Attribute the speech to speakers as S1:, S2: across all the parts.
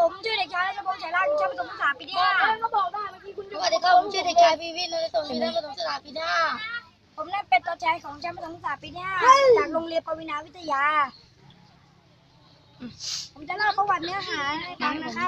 S1: ผมชื่อเด็กชายรัชพงษ์ฉายร่างชั้นประถมศึกษาปีที่ 5ก็บอกได้เมื่อกี้คุณส
S2: วัสดีครับผมชื่อเด็กชายพีวินนนท์สมอยู่ชั้นประถมศึกษาปีที่ 5
S1: ผมได้เป็นตัวแทนของชั้นประถมศึกษาปีที่ 5จากโรงเรียนปวินาวิทยาผมจะเล่าประวัติเนื้อหาให้ฟังนะครับ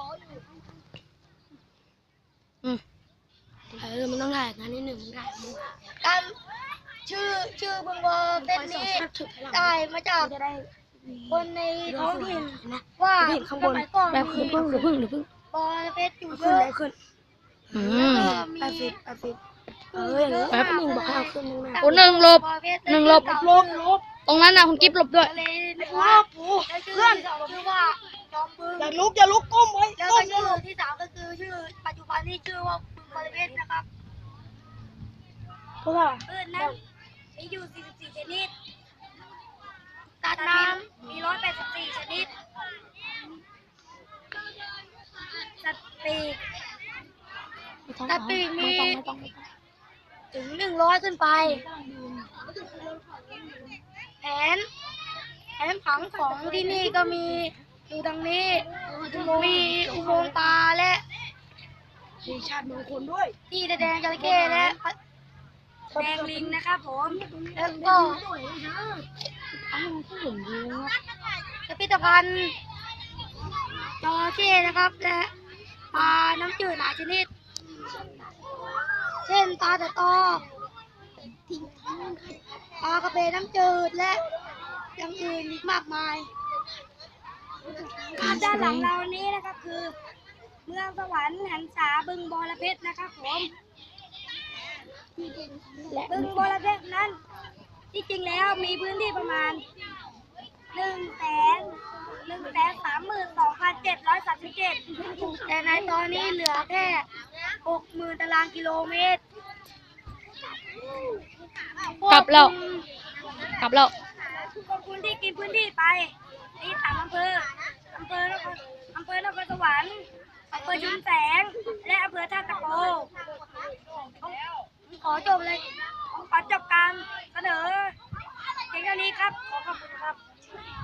S2: มันต้องถ่ายงานนิดหนึ่งการชื่อบึงบอเป็นนี้ได้มาจากคนในท้องถิ่นว่าสมัยก่อนมีบอระเพ็ดอยู่เยอะแล้วก็มี
S1: แป๊บนึงบอกให้เอาขึ้นมา
S3: โอ้หนึ่งหลบตรงนั้นนะคุณกิ๊บหลบด้วย
S2: ทะเลนะครับเพื่อนชื่อว่าจอมบึง
S1: อย่าลุกก้มไว้
S2: แล้วก็ชื่อที่3ก็คือชื่อปัจจุบันที่ชื่อว่าบึงบอระเพ็ดนะครับ
S1: เพราะว่า
S2: พืชนั้นมีอยู่44ชนิดสัตว์น้ำมี184ชนิดสัตว์ปีกมีถึง100ขึ้นไปแผนผังของที่นี่ก็มีอยู่ดังนี้มีอุโมงค์ปลาและ
S1: มีชาติมงคลด้วย
S2: ที่แดงจระเข้และ
S1: แดงลิงนะครับผม
S2: แล้วก็พิพิธภัณฑ์จระเข้นะครับและปลาน้ำจืดหลายชนิดเช่นปลาตะตอปลากระเบนน้ำจืดและอย่างอื่นอีกมากมาย
S1: ด้านหลังเรานี้นะครับคือ เมืองสวรรค์หันษาบึงบรเพชรนะครับผมบึงบรเพชรนั้นที่จริงแล้วมีพื้นที่ประมาณ132,737
S2: แต่ในตอนนี้เหลือแค่ 60,000 ตารางกิโลเมตร
S3: กลับแล้ว
S1: ขอบคุณที่กินพื้นที่ไปที่3อำเภอนครสวรรค์อำเภอชุมแสงและอำเภอท่าตะโกขอจบการเสนอเพียงเท่านี้ครับขอขอบคุณครับ